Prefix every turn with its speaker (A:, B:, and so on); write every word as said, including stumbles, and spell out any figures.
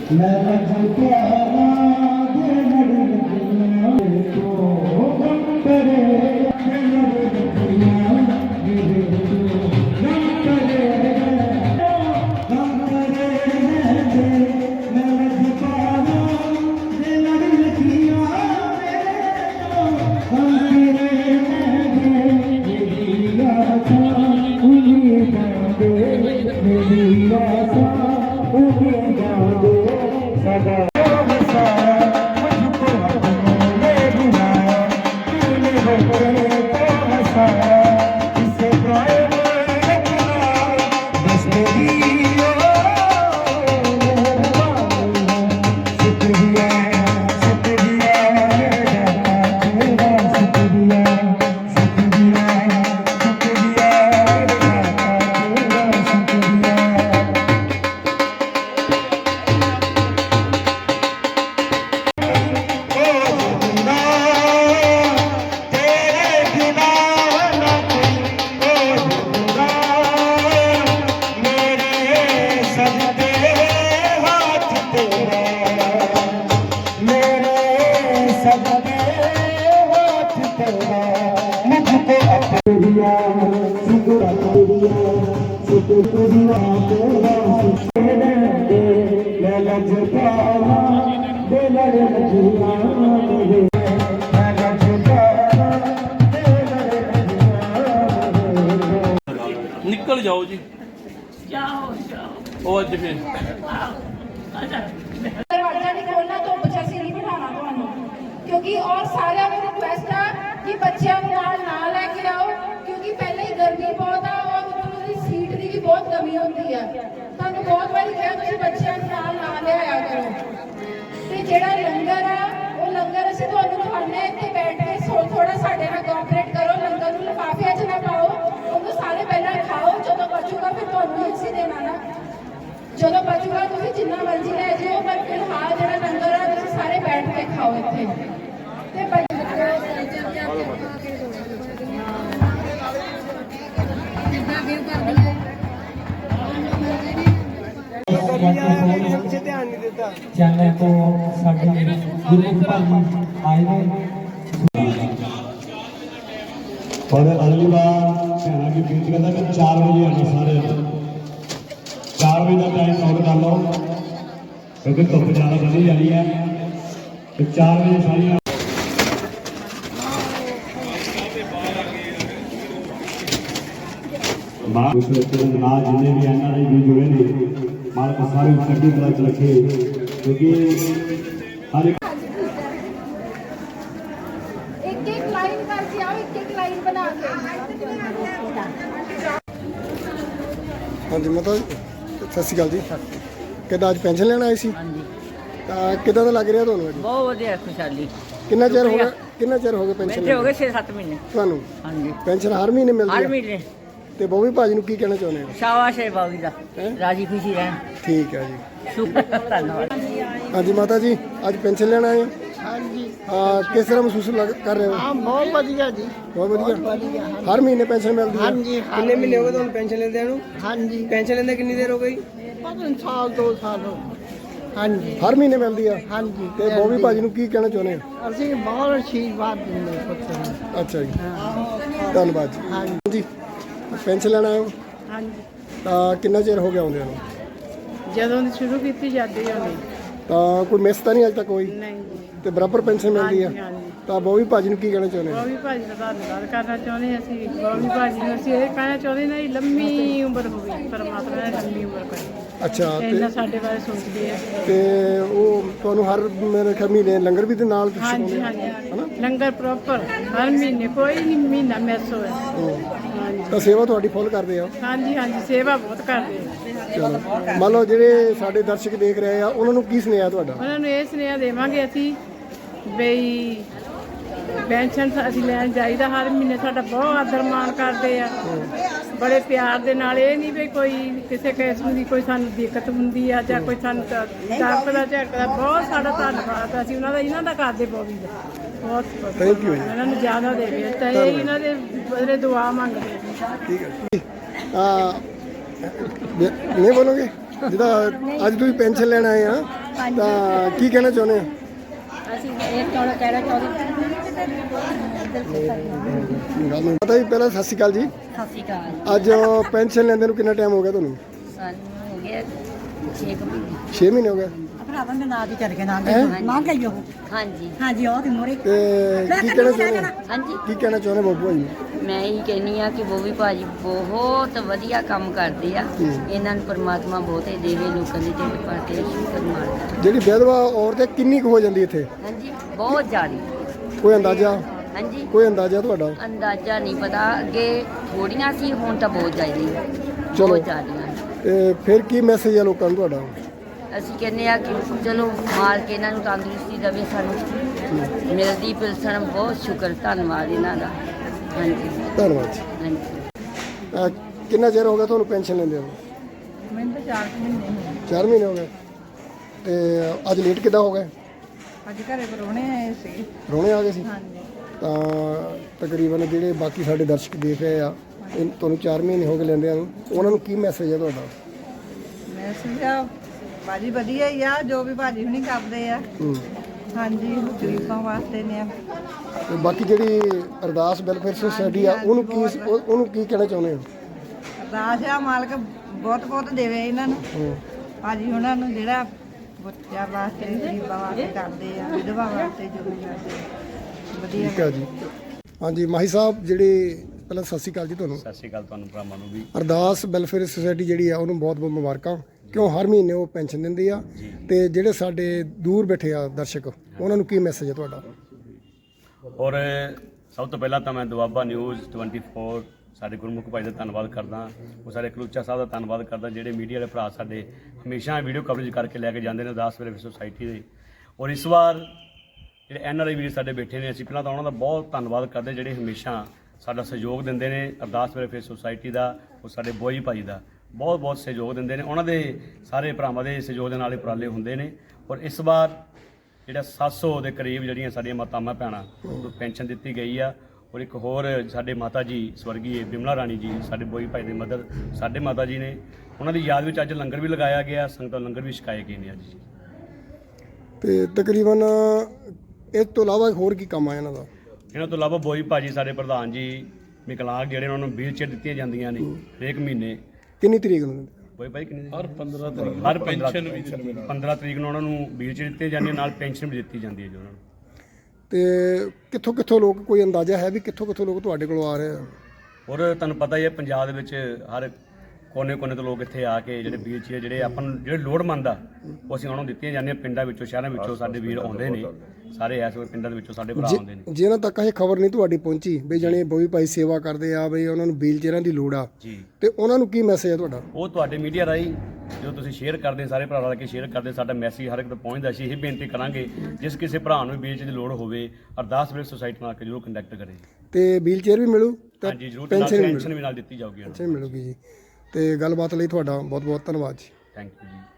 A: निकल जाओ जी,
B: जाओ जाओ
A: ਉਹ ਅੱਜ ਫਿਰ
C: दरवाजा नहीं खोलना तो बच्चा से नहीं बिठाना ਤੁਹਾਨੂੰ क्योंकि और सारे में रिक्वेस्ट है कि बच्चों को नाल ना लेके आओ क्योंकि पहले ही गर्मी बहुत है और उधरों ਦੀ सीट ਦੀ भी बहुत कमी होती है। ਤੁਹਾਨੂੰ ਬਹੁਤ ਵਾਰੀ ਕਿਹਾ ਤੁਸੀਂ ਬੱਚਿਆਂ ਨੂੰ ਨਾਲ ਨਾ ਲਿਆਇਆ ਕਰੋ ਤੇ ਜਿਹੜਾ ਲੰਗਰ ਆ ਉਹ ਲੰਗਰ ਅਸੀਂ ਤੁਹਾਨੂੰ ਖਵਾਉਂਦੇ ਇੱਥੇ ਬੈਠ ਕੇ ਥੋੜਾ ਸਾਡੇ ਨਾਲ ਕੋਆਪਰੇਟ ਕਰੋ। ਲੰਗਰ ਨੂੰ ਲਿਫਾਫਿਆਂ 'ਚ ਨਾ ਪਾਓ, ਉਹਨੂੰ ਸਾਰੇ ਪਹਿਲਾਂ ਖਾਓ, ਜਦੋਂ ਬਚੂਗਾ ਫਿਰ ਤੁਹਾਨੂੰ ਅਸੀਂ ਦੇਣਾ ਨਾ। ਜਦੋਂ ਬਚੂਗਾ ਤੁਸੀਂ ਜਿੰਨਾ ਮਰਜ਼ੀ ਲੈ ਜਿਓ ਪਰ ਫਿਲਹਾਲ ਜਿਹੜਾ ਲੰਗਰ ਆ ਤੁਸੀਂ ਸਾਰੇ ਬੈਠ ਕੇ ਖਾਓ ਇੱਥੇ ਤੇ
D: चैनल तो साडे गुरु भाजी आए ने
E: और अगली बार कहना की बेनती करता कि चार बजे आना सारे चार बजे का टाइम नोट कर लो क्योंकि धुप ज़्यादा बढ़ी जा रही है तो चार बजे सारी मां ना जिन्हें भी एन आर आई भी जुड़े ने मालक सारे चढ़ती कला च रखे क्योंकि हर एक
C: एक एक लाइन करके आओ, एक एक लाइन बना के।
F: हाँ जी माता सत श्री अकाल जी, किदा अज पेंशन लेना आए सी? किदा लग रहा ਤੁਹਾਨੂੰ ਅੱਜ?
B: बहुत ਵਧੀਆ खुशहाली।
F: कितना चेर हो गया कितना चेर हो गया पेंशन?
B: बैठे हो गए छे सत्त महीने।
F: ਤੁਹਾਨੂੰ
B: हाँ जी
F: पेंशन हर महीने मिलती
B: हर
F: है?
B: महीने।
F: ਤੇ ਬੋਵੀ ਭਾਜੀ ਨੂੰ ਕੀ ਕਹਿਣਾ ਚਾਹੁੰਦੇ ਹੋ?
B: शाबाश है बाबी दा, राजी खुशी रहन।
F: ठीक है जी,
B: शुक्र धन्यवाद।
F: हाँ जी माता जी आज पेंशन लेना आए हो?
G: हाँ जी
F: हाँ किस तरह महसूस लग कर रहे हो?
G: हाँ बहुत बढ़िया जी,
F: बहुत बढ़िया।
G: बढ़िया। हाँ
F: हर महीने पेंशन मिलती है?
G: हाँ जी हाँ
H: कितने महीने हो गए ਤੁਹਾਨੂੰ पेंशन लेते हैं?
G: हाँ जी
H: पेंशन लेते कितनी देर हो गई?
G: पता नहीं साल दो साल हो। हाँ जी
F: हर महीने मिलती है?
G: हाँ जी
F: ਤੇ ਬੋਵੀ ਭਾਜੀ ਨੂੰ ਕੀ ਕਹਿਣਾ ਚਾਹੁੰਦੇ ਹੋ?
G: ਅਸੀਂ ਬਹੁਤ ਆਸ਼ੀਰਵਾਦ ਦਿੰਦੇ ਪੁੱਤਰ ਨੂੰ।
F: ਅੱਛਾ ਜੀ ਧੰਨਵਾਦ ਜੀ।
G: हाँ
F: ਜੀ ਪੈਨਸ਼ਨ ਲੈਣ ਆਏ ਹੋ?
G: हाँ जी
F: ਤਾਂ ਕਿੰਨਾ ਚਿਰ ਹੋ ਗਿਆ ਆਉਂਦਿਆਂ ਨੂੰ?
G: ਜਦੋਂ ਦੀ ਸ਼ੁਰੂ ਕੀਤੀ ਜਾਂਦੀ ਹੈ ਨਹੀਂ
F: ਤਾਂ ਕੋਈ ਮਿਸ ਤਾਂ ਨਹੀਂ ਅੱਜ ਤੱਕ ਕੋਈ?
G: ਨਹੀਂ ਜੀ।
F: ਤੇ ਬਰਾਬਰ ਪੈਨਸ਼ਨ ਮਿਲਦੀ ਆ?
G: ਹਾਂਜੀ।
F: ਤਾਂ ਬੋਵੀ ਭਾਜੀ ਨੂੰ ਕੀ ਕਹਿਣਾ ਚਾਹੁੰਦੇ ਹੋ?
G: ਬੋਵੀ ਭਾਜੀ ਦਾ ਧੰਨਵਾਦ ਕਰਨਾ ਚਾਹੁੰਦੇ ਹਾਂ ਅਸੀਂ। ਬੋਵੀ ਭਾਜੀ ਨੂੰ ਅਸੀਂ ਇਹ ਕਹਿਣਾ ਚਾਹੁੰਦੇ ਨੇ ਲੰਮੀ ਉਮਰ ਹੋਵੇ, ਪਰਮਾਤਮਾ ਨੇ ਲੰਮੀ ਉਮਰ ਕਰੇ।
F: ਅੱਛਾ
G: ਇਹਨਾਂ
F: ਤੇ
G: ਸਾਡੇ ਬਾਰੇ ਸੋਚਦੇ ਆ।
F: ਤੇ ਉਹ ਤੁਹਾਨੂੰ ਹਰ ਮੇਰੇ ਖਿਆਲ ਮਹੀਨੇ ਲੰਗਰ ਵੀ ਦੇ ਨਾਲ ਤੁਸੀਂ
G: ਹਾਂਜੀ
F: ਛਕਾਉਂਦੇ ਹੋ?
G: ਹਾਂਜੀ ਲੰਗਰ ਪ੍ਰੋਪਰ ਹਰ ਮਹੀਨੇ, ਕੋਈ ਨਹੀਂ ਮਹੀਨਾ ਮਿਸ ਹੋਇਆ। ਹਾਂਜੀ
F: ਤਾਂ ਸੇਵਾ ਤੁਹਾਡੀ ਫੁੱਲ ਕਰਦੇ ਆ?
G: ਹਾਂਜੀ ਹਾਂਜੀ ਸੇਵਾ ਬਹੁਤ ਕਰਦੇ ਆ।
F: ਚਲੋ ਮੰਨ ਲਓ ਜਿਹੜੇ ਸਾਡੇ ਦਰਸ਼ਕ ਦੇਖ ਰਹੇ ਆ ਉਹਨਾਂ ਨੂੰ ਕੀ ਸੁਨੇਹਾ ਤੁਹਾਡਾ?
G: ਉਹਨਾਂ ਨੂੰ ਇਹ ਸੁਨੇਹਾ ਦੇਵਾਂਗੇ ਅਸੀਂ ਬਈ ਪੈਨਸ਼ਨ ਅਸੀਂ ਲੈਣ ਜਾਈਦਾ ਹਰ ਮਹੀਨੇ, ਸਾਡਾ ਬਹੁਤ ਆਦਰ ਮਾਣ ਕਰਦੇ ਆ ਬੜੇ ਪਿਆਰ ਦੇ ਨਾਲ। ਇਹ ਨਹੀਂ ਵੀ ਕੋਈ ਕਿਸੇ ਕਿਸਮ ਦੀ ਕੋਈ ਸਾਨੂੰ ਦਿੱਕਤ ਹੁੰਦੀ ਆ ਜਾਂ ਕੋਈ ਸਾਨੂੰ ਡਰਦਾ ਝੜਕਦਾ। ਬਹੁਤ ਸਾਡਾ ਧੰਨਵਾਦ ਅਸੀਂ ਉਹਨਾਂ ਦਾ, ਇਹਨਾਂ ਦਾ ਕਰਦੇ ਬੋਵੀ ਦਾ ਬਹੁਤ ਬਹੁਤ।
F: ਥੈਂਕ ਯੂ ਜੀ।
G: ਇਹਨਾਂ ਨੂੰ ਜ਼ਿਆਦਾ ਦੇਵੇ ਤਾਂ ਇਹ ਇਹਨਾਂ ਦੇ ਬਦਲੇ ਦੁਆ ਮੰਗਦੇ ਆ।
F: ਠੀਕ ਹੈ ਆ ਨਹੀਂ ਬੋਲੋਗੇ ਜਿੱਦਾਂ ਅੱਜ ਤੁਸੀਂ ਪੈਨਸ਼ਨ ਲੈਣ ਆਏ ਆ ਤਾਂ ਕੀ ਕਹਿਣਾ ਚਾਹੁੰਦੇ ਹੋ?
B: ਅਸੀਂ ਇਹ ਕਹਿਣਾ ਕਹਿਣਾ ਚਾਹੁੰਦੇ
F: ਪਤਾ ਜੀ, ਪਹਿਲਾਂ ਸਤਿ ਸ਼੍ਰੀ ਅਕਾਲ ਜੀ।
B: ਸਤਿ ਸ਼੍ਰੀ ਅਕਾਲ।
F: ਅੱਜ ਪੈਨਸ਼ਨ ਲੈਂਦੇ ਨੂੰ ਕਿੰਨਾ ਟਾਈਮ ਹੋ ਗਿਆ ਤੁਹਾਨੂੰ?
B: ਸਾਨੂੰ ਹੋ ਗਿਆ ਛੇ ਕੁ ਮਹੀਨੇ।
F: ਛੇ ਮਹੀਨੇ ਹੋ ਗਏ।
B: ਭਰਾਵਾਂ ਦੇ ਨਾਂ ਦੀ ਚੜ ਕੇ ਨਾਂ ਮੰਗ ਆਈ ਉਹ। ਹਾਂਜੀ ਹਾਂਜੀ ਉਹ ਤੇ ਮੋਰੇ।
F: ਤੇ ਕੀ ਕਹਿਣਾ ਚਾਹੁੰਦੇ ਹੋ?
B: ਹਾਂਜੀ
F: ਕੀ ਕਹਿਣਾ ਚਾਹੁੰਦੇ ਬੱਬੂ ਭਾਈ?
B: ਮੈਂ ਇਹ ਕਹਿੰਨੀ ਆ ਕਿ ਬੋਵੀ ਭਾਜੀ ਬਹੁਤ ਵਧੀਆ ਕੰਮ ਕਰਦੇ ਆ। ਇਹਨਾਂ ਨੂੰ ਪਰਮਾਤਮਾ ਬਹੁਤੇ ਦੇਵੇ, ਲੋਕਾਂ ਦੀ ਢਿੱਡ ਭਰ ਕੇ ਸ਼ੁਕਰ ਮਾਰਦਾ।
F: ਜਿਹੜੀ ਵਿਧਵਾ ਔਰਤ ਹੈ ਕਿੰਨੀ ਕੁ ਹੋ ਜਾਂਦੀ ਇੱਥੇ?
B: ਹਾਂਜੀ ਬਹੁਤ ਜ਼ਿਆਦਾ।
F: ਕੋਈ ਅੰਦਾਜ਼ਾ?
B: ਹਾਂਜੀ
F: ਕੋਈ ਅੰਦਾਜ਼ਾ ਤੁਹਾਡਾ?
B: ਅੰਦਾਜ਼ਾ ਨਹੀਂ ਪਤਾ, ਅੱਗੇ ਥੋੜੀਆਂ ਸੀ, ਹੁਣ ਤਾਂ ਬਹੁਤ ਜ਼ਿਆਦਾ।
F: ਚਲੋ।
B: ਬਹੁਤ ਜ਼ਿਆਦੀਆਂ।
F: ਤੇ ਫਿਰ ਕੀ ਮੈਸੇਜ ਹੈ ਲੋਕਾਂ ਨੂੰ ਤੁਹਾਡਾ?
B: ਅਸੀਂ ਕਹਿੰਦੇ ਆ ਕਿ ਚਲੋ ਮਾਰ ਕੇ ਇਹਨਾਂ ਨੂੰ ਤੰਦਰੁਸਤੀ ਦੇਵੇ, ਸਾਨੂੰ ਮਿਲਦੀ ਪਿਲਸਣ। ਬਹੁਤ ਸ਼ੁਕਰ, ਧੰਨਵਾਦ ਇਹਨਾਂ ਦਾ। ਹਾਂਜੀ
F: ਧੰਨਵਾਦ ਜੀ।
B: ਹਾਂਜੀ।
F: ਅਹ ਕਿੰਨਾ ਚਿਰ ਹੋ ਗਿਆ ਤੁਹਾਨੂੰ ਪੈਨਸ਼ਨ ਲੈਂਦੇ ਹੋ?
G: ਮੈਨੂੰ ਤਾਂ ਚਾਰ ਕੁ ਮਹੀਨੇ ਹੋਏ।
F: ਚਾਰ ਮਹੀਨੇ ਹੋ ਗਏ। ਤੇ ਅੱਜ ਲੇਟ ਕਿੱਦਾਂ ਹੋ ਗਏ?
G: ਅੱਜ ਘਰੇ ਪਰੋਣੇ ਆਏ ਸੀ।
F: ਰੋਣੇ ਆ ਗਏ ਸੀ?
G: ਹਾਂਜੀ।
F: ਤਾਂ ਤਕਰੀਬਨ ਜਿਹੜੇ ਬਾਕੀ ਸਾਡੇ ਦਰਸ਼ਕ ਦੇਖ ਰਹੇ ਆ, ਇਹ ਤੁਹਾਨੂੰ ਚਾਰ ਮਹੀਨੇ ਹੋ ਗਏ ਲੈਂਦਿਆਂ ਨੂੰ, ਉਹਨਾਂ ਨੂੰ ਕੀ ਮੈਸੇਜ ਹੈ ਤੁਹਾਡਾ?
G: ਮੈਂ ਸਮਝਿਆ ਭਾਜੀ ਵਧੀਆ ਹੀ ਆ, ਜੋ ਵੀ ਭਾਜੀ ਹੁਣੀ ਕਰਦੇ ਆ।
F: ਹੂੰ।
G: ਹਾਂਜੀ ਗਰੀਬਾਂ ਵਾਸਤੇ ਨੇ ਆ।
F: ਤੇ ਬਾਕੀ ਜਿਹੜੀ ਅਰਦਾਸ ਵੈਲਫੇਅਰ ਸੁਸਾਇਟੀ ਆ, ਉਹਨੂੰ ਕੀ ਉਹ- ਉਹਨੂੰ ਕੀ ਕਹਿਣਾ ਚਾਹੁੰਦੇ ਹੋ?
G: ਅਰਦਾਸ ਆ ਮਾਲਕ ਬਹੁਤ ਬਹੁਤ ਦੇਵੇ ਇਹਨਾਂ ਨੂੰ।
F: ਹੂੰ।
G: ਭਾਜੀ ਉਹਨਾਂ ਨੂੰ ਜਿਹੜਾ ਬੱਚਿਆਂ ਵਾਸਤੇ, ਗਰੀਬਾਂ ਵਾਸਤੇ ਕਰਦੇ ਆ, ਵਿਧਵਾ ਵਾਸਤੇ ਜੋ ਵੀ ਕਰਦੇ ਆ। ਵਧੀਆ
F: ਠੀਕ ਹੈ ਜੀ। ਹਾਂਜੀ ਮਾਹੀ ਸਾਹਿਬ, ਜਿਹੜੇ ਪਹਿਲਾਂ ਸਤਿ ਸ਼੍ਰੀ ਅਕਾਲ ਜੀ ਤੁਹਾਨੂੰ।
E: ਸਤਿ ਸ਼੍ਰੀ ਅਕਾਲ ਤੁਹਾਨੂੰ ਭਰਾਵਾਂ ਨੂੰ ਵੀ।
F: ਅਰਦਾਸ ਵੈਲਫੇਅਰ ਸੁਸਾਇਟੀ ਜਿਹੜੀ ਆ, ਉਹਨੂੰ ਬਹੁਤ ਬਹੁਤ ਮੁਬਾਰਕਾਂ, ਕਿਉਂ ਹਰ ਮਹੀਨੇ ਉਹ ਪੈਨਸ਼ਨ ਦਿੰਦੀ ਆ। ਤੇ ਜਿਹੜੇ ਸਾਡੇ ਦੂਰ ਬੈਠੇ ਆ ਦਰਸ਼ਕ, ਉਹਨਾਂ ਨੂੰ ਕੀ ਮੈਸੇਜ ਹੈ ਤੁਹਾਡਾ?
E: ਔਰ ਸਭ ਤੋਂ ਪਹਿਲਾਂ ਤਾਂ ਮੈਂ ਦੁਆਬਾ ਨਿਊਜ਼ ਚੌਵੀ ਸਾਡੇ ਗੁਰਮੁਖ ਭਾਈ ਦਾ ਧੰਨਵਾਦ ਕਰਦਾ। ਉਹ ਸਾਡੇ ਕਲੂਚਾ ਸਾਹਿਬ ਦਾ ਧੰਨਵਾਦ ਕਰਦਾ, ਜਿਹੜੇ ਮੀਡੀਆ ਦੇ ਭਰਾ ਸਾਡੇ ਹਮੇਸ਼ਾ ਵੀਡੀਓ ਕਵਰੇਜ ਕਰਕੇ ਲੈ ਕੇ ਜਾਂਦੇ ਨੇ ਅਰਦਾਸ ਵੈਲਫੇਅਰ ਸੁਸਾਇਟੀ ਦੇ। ਔਰ ਇਸ ਵਾਰ ਜਿਹੜੇ ਐਨ ਆਰ ਆਈ ਵੀਰ ਸਾਡੇ ਬੈਠੇ ਨੇ, ਅਸੀਂ ਪਹਿਲਾਂ ਤਾਂ ਉਹਨਾਂ ਦਾ ਬਹੁਤ ਧੰਨਵਾਦ ਕਰਦੇ, ਜਿਹੜੇ ਹਮੇਸ਼ਾ ਸਾਡਾ ਸਹਿਯੋਗ ਦਿੰਦੇ ਨੇ। ਅਰਦਾਸ ਵੈਲਫੇਅਰ ਸੁਸਾਇਟੀ ਦਾ, ਉਹ ਸਾਡੇ ਬੋਈ ਭਾਈ ਦਾ ਬਹੁਤ ਬਹੁਤ ਸਹਿਯੋਗ ਦਿੰਦੇ ਨੇ। ਉਹਨਾਂ ਦੇ ਸਾਰੇ ਭਰਾਵਾਂ ਦੇ ਸਹਿਯੋਗ ਦੇ ਨਾਲ ਹੀ ਉਪਰਾਲੇ ਹੁੰਦੇ ਨੇ। ਔਰ ਇਸ ਵਾਰ ਜਿਹੜਾ ਸੱਤ ਸੌ ਦੇ ਕਰੀਬ ਜਿਹੜੀਆਂ ਸਾਡੀਆਂ ਮਾਤਾਵਾਂ ਭੈਣਾਂ ਨੂੰ ਪੈਨਸ਼ਨ ਦਿੱਤੀ ਗਈ ਆ। ਔਰ ਇੱਕ ਹੋਰ ਸਾਡੇ ਮਾਤਾ ਜੀ ਸਵਰਗੀ ਬਿਮਲਾ ਰਾਣੀ ਜੀ, ਸਾਡੇ ਬੋਈ ਭਾਈ ਦੇ ਮਦਰ ਸਾਡੇ ਮਾਤਾ ਜੀ ਨੇ, ਉਹਨਾਂ ਦੀ ਯਾਦ ਵਿੱਚ ਅੱਜ ਲੰਗਰ ਵੀ ਲਗਾਇਆ ਗਿਆ, ਸੰਗਤਾਂ ਲੰਗਰ ਵੀ ਛਕਾਏ ਗਏ ਨੇ ਅੱਜ।
F: ਤੇ ਤਕਰੀਬਨ ਇਸ ਤੋਂ ਇਲਾਵਾ ਹੋਰ ਕੀ ਕੰਮ ਆ ਇਹਨਾਂ ਦਾ?
E: ਇਹਨਾਂ ਤੋਂ ਇਲਾਵਾ ਬੋਈ ਭਾਜੀ ਸਾਡੇ ਪ੍ਰਧਾਨ ਜੀ ਵਿਕਲਾਂਗ, ਜਿਹੜੇ ਉਹਨਾਂ ਨੂੰ ਵੀਲ ਚੇਅਰ ਦਿੱਤੀਆਂ ਜਾਂਦੀਆਂ ਨੇ ਹਰੇਕ ਮਹੀਨੇ।
F: ਕਿੰਨੀ ਤਰੀਕ ਨੂੰ?
E: ਬੋਈ ਭਾਈ ਕਿੰਨੀ
A: ਹਰ ਪੰਦਰਾਂ ਤਰੀਕ
E: ਹਰ ਪੈਨਸ਼ਨ ਪੰਦਰਾਂ ਤਰੀਕ ਨੂੰ ਉਹਨਾਂ ਨੂੰ ਵੀਲ ਚੇਅਰ ਦਿੱਤੀਆਂ ਜਾਂਦੀਆਂ, ਨਾਲ ਪੈਨਸ਼ਨ ਵੀ ਦਿੱਤੀ ਜਾਂਦੀ ਹੈ ਜੀ ਉਹਨਾਂ ਨੂੰ।
F: ਤੇ ਕਿੱਥੋਂ ਕਿੱਥੋਂ ਲੋਕ, ਕੋਈ ਅੰਦਾਜ਼ਾ ਹੈ ਵੀ ਕਿੱਥੋਂ ਕਿੱਥੋਂ ਲੋਕ ਤੁਹਾਡੇ ਕੋਲ ਆ ਰਹੇ ਆ?
E: ਔਰ ਤੁਹਾਨੂੰ ਪਤਾ ਹੀ ਹੈ ਪੰਜਾਬ ਦੇ ਵਿੱਚ ਹਰ ਕੋਨੇ ਕੋਨੇ ਤੋਂ ਲੋਕ ਇੱਥੇ ਆ ਕੇ ਜਿਹੜੇ ਵੀਲ ਚੇਅਰ ਜਿਹੜੇ ਆਪਾਂ ਨੂੰ ਜਿਹੜੇ ਲੋੜਵੰਦ ਆ, ਉਹ ਅਸੀਂ ਉਹਨਾਂ ਨੂੰ ਦਿੱਤੀਆਂ ਜਾਂਦੀਆਂ। ਪਿੰਡਾਂ ਵਿੱਚੋਂ ਸ਼ਹਿਰਾਂ ਵਿੱਚੋਂ ਸਾਡੇ ਵੀਰ ਆਉਂਦੇ ਨੇ, ਸਾਰੇ ਇਸ ਵੇਲੇ ਪਿੰਡਾਂ ਦੇ ਵਿੱਚੋਂ ਸਾਡੇ ਭਰਾ ਆਉਂਦੇ ਨੇ।
F: ਜਿਹਨਾਂ ਤੱਕ ਇਹ ਖਬਰ ਨਹੀਂ ਤੁਹਾਡੀ ਪਹੁੰਚੀ ਵੀ ਜਾਣੇ ਬੋਈ ਭਾਈ ਸੇਵਾ ਕਰਦੇ ਆ, ਬਈ ਉਹਨਾਂ ਨੂੰ ਵੀਲ ਚੇਅਰਾਂ ਦੀ ਲੋੜ ਆ,
E: ਜੀ,
F: ਤੇ ਉਹਨਾਂ ਨੂੰ ਕੀ ਮੈਸੇਜ ਹੈ ਤੁਹਾਡਾ?
E: ਉਹ ਤੁਹਾਡੇ ਮੀਡੀਆ ਰਾਹੀਂ ਜਦੋਂ ਤੁਸੀਂ ਸ਼ੇਅਰ ਕਰਦੇ, ਸਾਰੇ ਭਰਾ ਰਲ ਕੇ ਸ਼ੇਅਰ ਕਰਦੇ, ਸਾਡਾ ਮੈਸੇਜ ਹਰ ਇੱਕ ਤੱਕ ਪਹੁੰਚਦਾ। ਅਸੀਂ ਇਹ ਬੇਨਤੀ ਕਰਾਂਗੇ, ਜਿਸ ਕਿਸੇ ਭਰਾ ਨੂੰ ਵੀਲ ਚੇਅਰ ਦੀ ਲੋੜ ਹੋਵੇ, ਅਰਦਾਸ ਵੈਲਫੇਅਰ ਸੁਸਾਇਟੀ ਨਾਲ ਕੇ ਜ਼ਰੂਰ ਕੰਟੈਕਟ ਕਰੇ।
F: ਤੇ ਵੀਲ ਚੇਅਰ ਵੀ ਮਿਲੂ ਤੇ
E: ਹਾਂਜੀ ਜ਼ਰੂਰ, ਪੈਨਸ਼ਨ ਵੀ ਨਾਲ ਦਿੱਤੀ ਜਾਊਗੀ।
F: ਪੈਨਸ਼ਨ ਮਿਲੂਗੀ ਜੀ। ਤੇ ਗੱਲਬਾਤ ਲਈ ਤੁਹਾਡਾ ਬਹੁਤ ਬਹੁਤ ਧੰਨਵਾਦ ਜੀ।
E: ਥੈਂਕ ਯੂ ਜੀ।